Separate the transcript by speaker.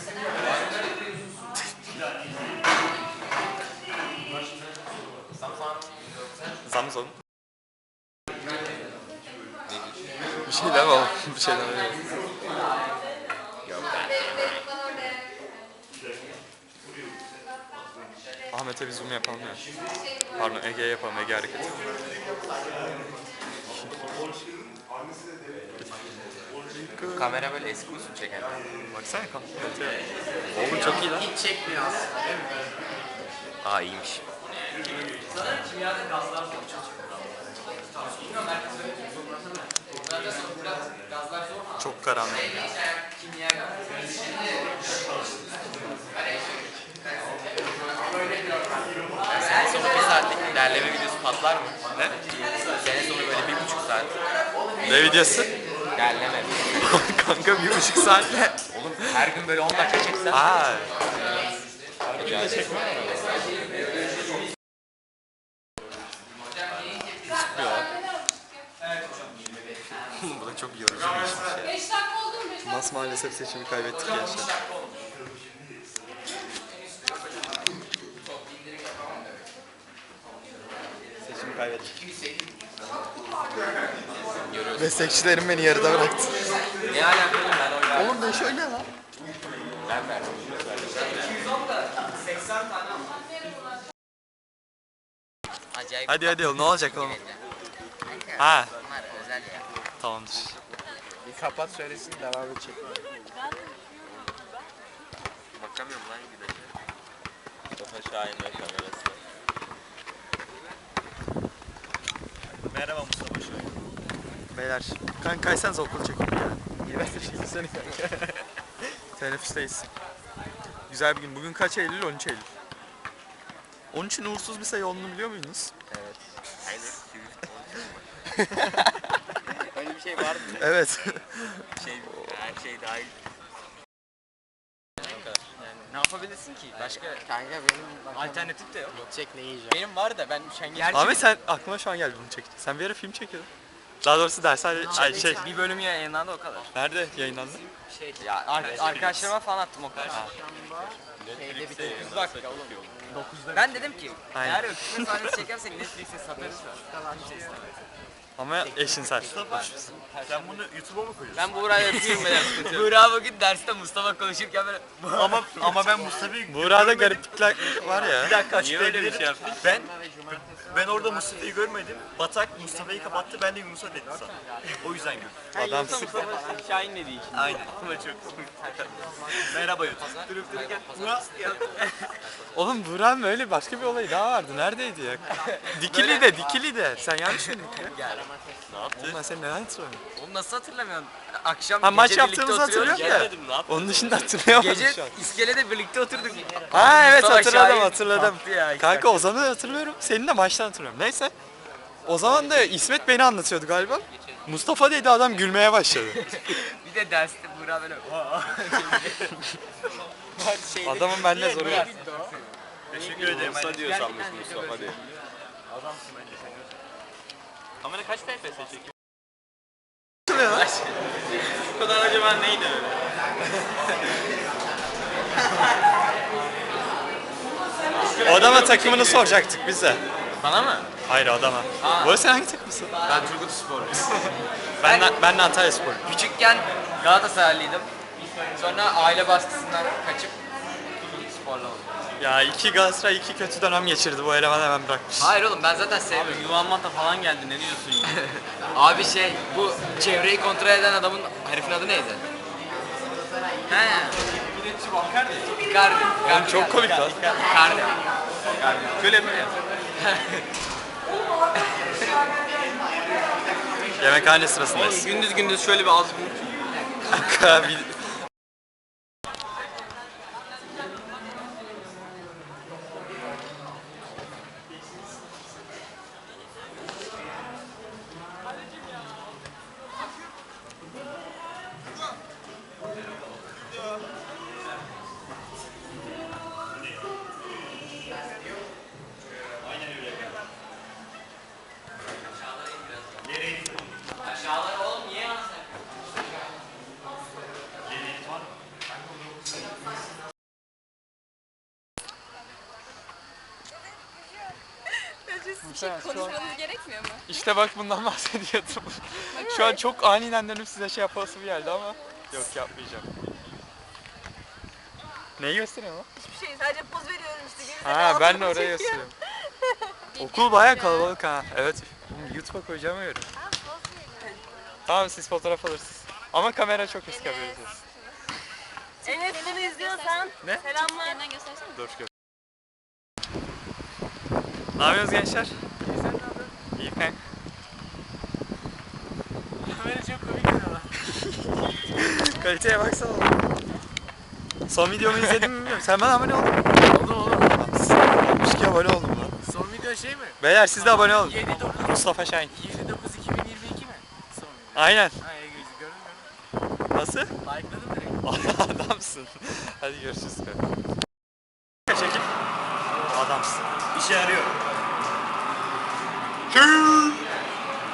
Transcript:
Speaker 1: Samsung. Bir şeyler var. Bir şeyler var. Ahmet'e bir zoom yapalım ya. Pardon, Ege'ye yapalım. Ege hareketi.
Speaker 2: Kamera böyle eski usul çeken.
Speaker 1: Baksana kameraya. Oğlum çok iyi lan.
Speaker 2: Hiç çekmiyor aslında. Aa iyiymiş. Sanırım kimyada gazlar zor
Speaker 1: Çok karanlık.
Speaker 2: Sene sonu 1 saatlik ilerleme videosu patlar mı?
Speaker 1: Ne?
Speaker 2: Sene sonu böyle 1,5 saat.
Speaker 1: Ne videosu?
Speaker 2: İlerleme.
Speaker 1: Kanka 1,5 saatle.
Speaker 2: Oğlum her gün böyle 10 dakika çeksen.
Speaker 1: Aa. Bu da çok yorucu bir işmiş ya.
Speaker 3: 5 dakika oldu mu?
Speaker 1: Mas maalesef seçimi kaybettik gençler. Seçimi kaybettik. Meslekçilerim beni yarıda bıraktı.
Speaker 2: Ne alakalı ben oynadım.
Speaker 1: Oğlum ben şöyle lan.
Speaker 2: Ben verdim. 80 tane acayip.
Speaker 1: Hadi ne olacak oğlum? Ha.
Speaker 2: Bunlar özel ya.
Speaker 1: Tamamdır.
Speaker 2: Bir kapat söylesin devam edecek. Bakamıyorum lan güneşe. Mustafa Şahin'le kamerası.
Speaker 1: Merhaba Mustafa Şahin. Beyler, kanka kaysanız okul çekin ya. İğrenç bir şey seni kanka. Teneffüsteyiz. Güzel bir gün. Bugün kaç Eylül? 13 Eylül. 13'ün uğursuz bir sayı olduğunu biliyor muydunuz?
Speaker 2: Evet. Aynen. Öyle bir şey var mı?
Speaker 1: Evet.
Speaker 2: Her şey dahil. Yani ne yapabilirsin ki? Başka
Speaker 4: Kanka benim
Speaker 2: alternatif de yok.
Speaker 4: gidecek ne yiyeceğim?
Speaker 2: Benim var da ben üşengeç.
Speaker 1: Ahmet sen aklıma şu an geldi bunu çekti. Sen bir ara film çekiyordun. Daha doğrusu dershane şey.
Speaker 2: Bir bölüm yayınlandı o kadar.
Speaker 1: Nerede yayınlandı?
Speaker 2: Ya arkadaşlarıma falan attım o kadar.
Speaker 4: Şeyde bir
Speaker 2: 9 dakika oğlum. Ben dedim ki
Speaker 1: Aynen.
Speaker 2: eğer öpüşme sahnesi çekersek Netflix'e satarız.
Speaker 1: Ama eşinsel.
Speaker 5: Sen bunu YouTube'a mı koyuyorsun?
Speaker 2: Ben Buğra'yı öpüyorum beyler. Buğra bugün derste Mustafa konuşurken böyle
Speaker 5: Ama ben Mustafa'yı
Speaker 1: Buğra'da gariplikler var ya.
Speaker 5: bir dakika
Speaker 2: Niye öyle bir şey
Speaker 5: açıklayabilirim. Ben orada Mustafa'yı görmedim. Batak Mustafa'yı kapattı, ben de Yunus'a dedim sana. O yüzden gördüm.
Speaker 1: Adamsın.
Speaker 2: Mustafa Şahin dediği için.
Speaker 5: Aynen. Ama çok merhaba YouTube. Durup dururken
Speaker 1: Oğlum Buğra'nın öyle başka bir olayı daha vardı. Neredeydi ya? Dikili de. Sen yanlış mı ya?
Speaker 2: Ne yaptı?
Speaker 1: Oğlum ben seni neden hatırlamıyorum?
Speaker 2: Oğlum nasıl hatırlamıyorsun? Akşam
Speaker 1: Ha maç
Speaker 2: gece birlikte
Speaker 1: yaptığımızı
Speaker 2: oturuyoruz
Speaker 1: hatırlıyorum
Speaker 2: ya.
Speaker 1: da. Onun dışında hatırlayamadım
Speaker 2: Gece
Speaker 1: şu an.
Speaker 2: iskelede birlikte oturduk.
Speaker 1: Ha evet
Speaker 2: Mustafa
Speaker 1: hatırladım.
Speaker 2: Şahin kaptı ya,
Speaker 1: Kanka Ozan'ı hatırlıyorum. Senin de maçtan hatırlıyorum. Neyse. O zaman da İsmet beni anlatıyordu galiba. Mustafa dedi adam gülmeye başladı.
Speaker 2: Bir de derste Buğra böyle
Speaker 1: Adamın bende zoru var.
Speaker 5: teşekkür ederim.
Speaker 2: Musa diyor sanmış Mustafa diye.
Speaker 5: Kamera kaç FPS çekiyor?
Speaker 2: Bu kadar acaba neydi öyle?
Speaker 1: O adama takımını soracaktık bize.
Speaker 2: Bana mı?
Speaker 1: Hayır adama. Bu arada sen hangi takımsın?
Speaker 2: Ben Turgut Sporluyum.
Speaker 1: Ben de Antalya Spor.
Speaker 2: Küçükken Galatasaraylıydım. Sonra aile baskısından kaçıp Turgut Sporlu oldum.
Speaker 1: Ya iki Galatasaray iki kötü dönem geçirdi. Bu eleman hemen bırakmış.
Speaker 2: Hayır oğlum ben zaten sevmiyorum.
Speaker 5: Yuvan Mata falan geldi, ne diyorsun ya?
Speaker 2: Abi şey bu çevreyi kontrol eden adamın herifin adı neydi? He. Icardi.
Speaker 1: Oğlum çok komik lan.
Speaker 2: Icardi.
Speaker 5: Şöyle yapıyor ya.
Speaker 1: Yemekhane sırasındayız.
Speaker 2: Gündüz şöyle bir ağzı
Speaker 1: Kanka bir...
Speaker 2: Aşağılara oğlum niye yansın?
Speaker 3: Konuşmanız gerekmiyor mu?
Speaker 1: İşte bak bundan bahsediyordum. Şu an çok aniden dönüp size şey yapası bir geldi ama yok yapmayacağım. Neyi gösteriyor lan?
Speaker 3: Hiçbir şey, sadece poz veriyorum işte.
Speaker 1: Ha ben de oraya gösteriyorum. Okul bayağı kalabalık ha. Evet. YouTube'a koyacağım öyle. Tamam siz fotoğraf alırsınız. Ama kamera çok eski haberiniz olsun.
Speaker 3: Enes bunu izliyorsan
Speaker 1: Ne?
Speaker 3: selamlar. Yandan göstersene.
Speaker 1: Dur gör. Ne yapıyorsunuz gençler? İyi kanka.
Speaker 2: Kamera çok komik ama.
Speaker 1: Kaliteye baksana. Son videomu izledin mi bilmiyorum. Sen bana abone oldun mu?
Speaker 2: Oğlum.
Speaker 1: 62 abone oldum lan.
Speaker 2: Son video şey mi?
Speaker 1: Beyler siz de abone olun.
Speaker 2: 7-9
Speaker 1: Mustafa Şahin.
Speaker 2: 7-9-2022 mi? Son video.
Speaker 1: Aynen.
Speaker 2: Ha iyi gördüm.
Speaker 1: Nasıl?
Speaker 2: Like'ladım direkt.
Speaker 1: Adamsın. Hadi görüşürüz. Çekil. Adamsın.
Speaker 5: İşe yarıyor.
Speaker 1: Tschüss.